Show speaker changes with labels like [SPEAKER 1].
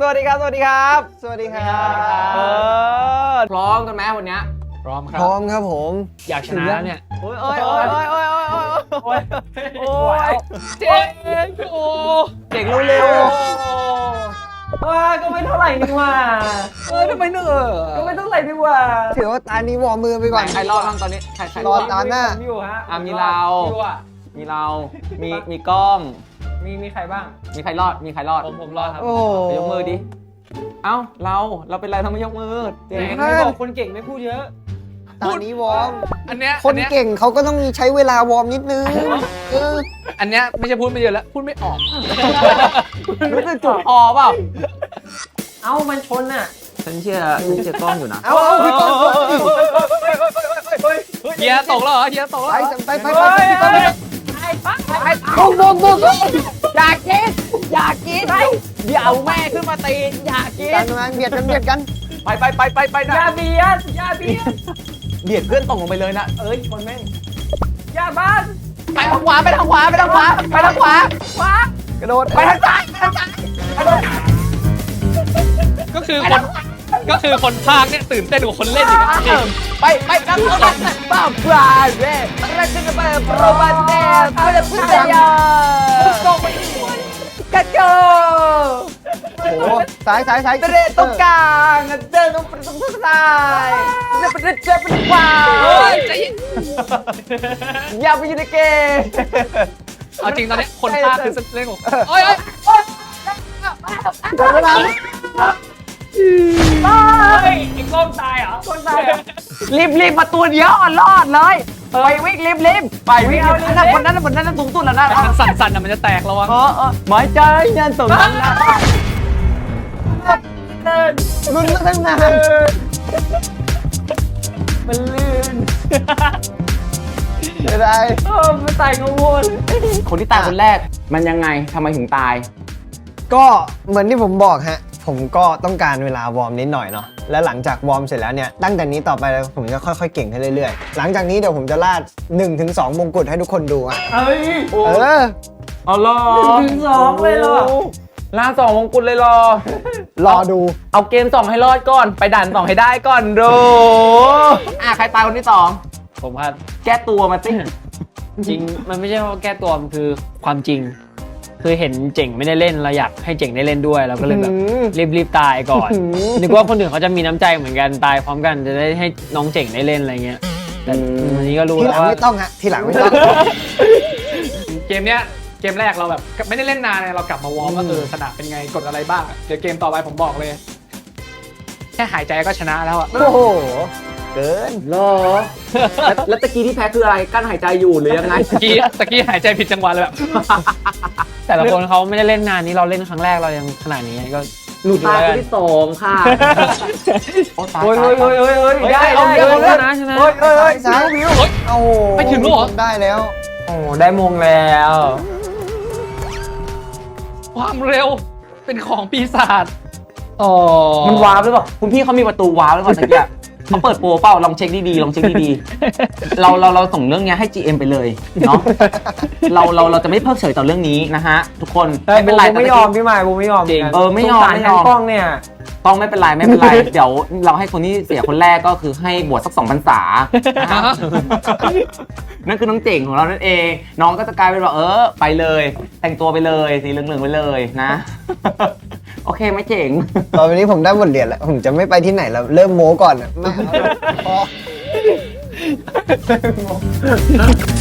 [SPEAKER 1] วัสดีครับสวัสดีครับสวัสดีครับ
[SPEAKER 2] พร้อมกันไหมวันนี้
[SPEAKER 3] พร้อมครับ
[SPEAKER 1] พร้อมครับผม
[SPEAKER 3] อยากชนะแล้วเนี่ย
[SPEAKER 1] โอ้ยโอ้ยโอ้ยโอ้ยโอ้ยโอ้ยโอ้ยโอ้ย
[SPEAKER 3] เจ๊งโอ้
[SPEAKER 1] เก่งเร็วๆว่าก็ไม่เท่าไหร่นี่ว่า
[SPEAKER 3] ทำไมเนอะ
[SPEAKER 1] ก็ไม่เท่าไหร่นี่ว่าถือว่าตานี้วอร์มมือไปก่อน
[SPEAKER 2] ใครรอดบ้างตอนนี้ใคร
[SPEAKER 1] รอดตามหน้า
[SPEAKER 3] อยู่ฮะ
[SPEAKER 2] มีเรา
[SPEAKER 3] อยู่อ่ะ
[SPEAKER 2] มีเรา มีกล้อง
[SPEAKER 3] มีใครบ้าง
[SPEAKER 2] มีใครรอด มีใครรอด
[SPEAKER 3] ผมรอดครับ
[SPEAKER 1] โอ้โห
[SPEAKER 2] ไปยกมือดิ เอ้าเราเป็นไรทำไมยกมือ
[SPEAKER 3] ไหนใครบอกคนเก่งไม่พูดเยอะ
[SPEAKER 1] ตานี้วอร์ม
[SPEAKER 3] อันเนี้ย
[SPEAKER 1] คนเก่งเขาก็ต้องมีใช้เวลาวอร์มนิดนึง
[SPEAKER 3] อันเนี้ยไม่ใช่พูดไม่เยอะแล้วพูดไม่ออก
[SPEAKER 2] รู้สึกจุกคอเปล่า
[SPEAKER 3] เอ้ามันชนอ่ะ
[SPEAKER 2] ฉันเชื่อกล้องอยู่นะ
[SPEAKER 1] เอาพี่ก้อง
[SPEAKER 3] เฮียตกแล้วเหรอเฮียตกแล้ว
[SPEAKER 1] ไปพี่ก้องบุกอยากกินเดี๋ยวแม่ขึ้นมาตีอยากกินกันมาเบียดกัน
[SPEAKER 2] ไปนะ
[SPEAKER 3] อย่าเบียด
[SPEAKER 2] เบียดเพื่อนตกลงไปเลยนะ
[SPEAKER 3] เอ้ยคนแม่งอย่าบ้าน
[SPEAKER 2] ไปทางขวา
[SPEAKER 1] กระโดด
[SPEAKER 2] ไปทางซ้าย
[SPEAKER 3] ก็คือคนพากย์เนี่ยตื่นเต้นกว่าคนเล่นอีกจริง
[SPEAKER 2] ไปกันบ้าปลาเร่เราจะไปโปรบันเน่เพื่อพึ่งยากระโจ
[SPEAKER 1] โอ้สาย
[SPEAKER 2] เดินตรงกลางเดินตรงซ้ายเดินไปขวา
[SPEAKER 3] เฮ้ยใจเย็น
[SPEAKER 2] อย่าไปอยู่ในเกม
[SPEAKER 3] เอาจริงตอนนี้คนพากย์คือเล่นของโอ้ย
[SPEAKER 1] เวลา
[SPEAKER 3] ไอ้กล้องตายเหรอ
[SPEAKER 2] รีบมาตัวเดียวรอดเลยไปวิ่งรีบไปวิ่งคนนั้นสูงสุดแล้วนะ
[SPEAKER 3] มันสั่นๆอ่ะมันจะแตกระวัง
[SPEAKER 2] หมายใจยันตรงนั้นนะ
[SPEAKER 1] ลุ้นมาตั้งนาน
[SPEAKER 2] มันลื่น
[SPEAKER 1] เสียดาย
[SPEAKER 2] ไม่ตายกังวลคนที่ตายคนแรกมันยังไงทำไมถึงตาย
[SPEAKER 1] ก็เหมือนที่ผมบอกฮะผมก็ต้องการเวลาวอร์มนิดหน่อยเนาะแล้วหลังจากวอร์มเสร็จแล้วเนี่ยตั้งแต่นี้ต่อไปผมจะค่อยๆเก่งขึ้นเรื่อยๆหลังจากนี้เดี๋ยวผมจะลาด 1-2 มงกุฎให้ทุกคนดูอ่ะ
[SPEAKER 2] เอ้ย เอาล่ะ
[SPEAKER 3] 1-2เลยเหรอ
[SPEAKER 2] ล่า2 มงกุฎเลยเหรอ
[SPEAKER 1] รอดู
[SPEAKER 2] เอาเกม2ให้รอดก่อนไปด่าน2ให้ได้ก่อนดูใครตายคนที่2
[SPEAKER 3] ผมครับ
[SPEAKER 2] แก้ตัวมาสิ
[SPEAKER 3] จริงมันไม่ใช่ว่าแก้ตัวมันคือความจริง คือเห็นเจ๋งไม่ได้เล่นเราอยากให้เจ๋งได้เล่นด้วยเราก็เลยแบบรีบตายก่อนนึกว่าคนอื่นเขาจะมีน้ำใจเหมือนกันตายพร้อมกันจะได้ให้น้องเจ๋งได้เล่นอะไรเงี้ยแต่วันนี้ก็รู้
[SPEAKER 1] ทีห
[SPEAKER 3] แล้
[SPEAKER 1] ลั
[SPEAKER 3] ว
[SPEAKER 1] ง
[SPEAKER 3] ว่า
[SPEAKER 1] ไม่ต้องฮะทีหลังไม่ต้อง
[SPEAKER 3] เกมเนี้ยเกมแรกเราแบบไม่ได้เล่นนานเลยเรากลับมาวอร์มว่าสนามเป็นไงกดอะไรบ้างเดี๋ยวเกมต่อไปผมบอกเลยแค่หายใจก็ชนะแล้วอะ
[SPEAKER 1] โอ้โหเกิน
[SPEAKER 2] เหรอแล้วตะกี้ที่แพ้คืออะไรกั้นหายใจอยู่หรือยังไง
[SPEAKER 3] ตะกี้หายใจผิดจังหวะเลยแบบ แต่ละคนเขาไม่ได้เล่นนานนี้เราเล่นครั้งแรกเรายังขนาดนี้ก็หลุด
[SPEAKER 2] ตาย
[SPEAKER 3] เล
[SPEAKER 2] คน
[SPEAKER 3] ย
[SPEAKER 2] ที่2ค่ะโอ้ยได้
[SPEAKER 3] เอา
[SPEAKER 2] ได้
[SPEAKER 3] แล้วนะใช่ไหม
[SPEAKER 1] สายวิวโอ้โห
[SPEAKER 3] ไม่ถึงหรอ
[SPEAKER 1] ได้แล้ว
[SPEAKER 2] โอ้ได้มงแล้ว
[SPEAKER 3] ความเร็วเป็นของปีศาจอ๋อ
[SPEAKER 2] มันวาร์ปหรือเปล่าคุณพี่เขามีประตูวาร์ปหรือเปล่าตะกี้เขาเปิดโปรเปล่าลองเช็คดีๆเราส่งเรื่องนี้ให้ GM ไปเลยเนาะเราจะไม่เพิกเฉยต่อเรื่องนี้นะฮะทุกคนไม่เป็นไร
[SPEAKER 1] ไม่ยอมพี่หมายผมไม่ยอม
[SPEAKER 3] จริง
[SPEAKER 2] ไม่ยอม
[SPEAKER 1] กล้องเนี่ย
[SPEAKER 2] ต้องไม่เป็นไร เดี๋ยวเราให้คนที่เสียคนแรกก็คือให้บวชสัก2 พรรษานั่นคือน้องเจ๋งของเรานั่นเองน้องก็จะกลายเป็นว่าไปเลยแต่งตัวไปเลยสีเหลืองๆไปเลยนะ โอเคไหมเจ๋ง
[SPEAKER 1] ตอนนี้ผมได้บทเรียนแล้วผมจะไม่ไปที่ไหนแล้วเริ่มโม้ก่อนไม่พอ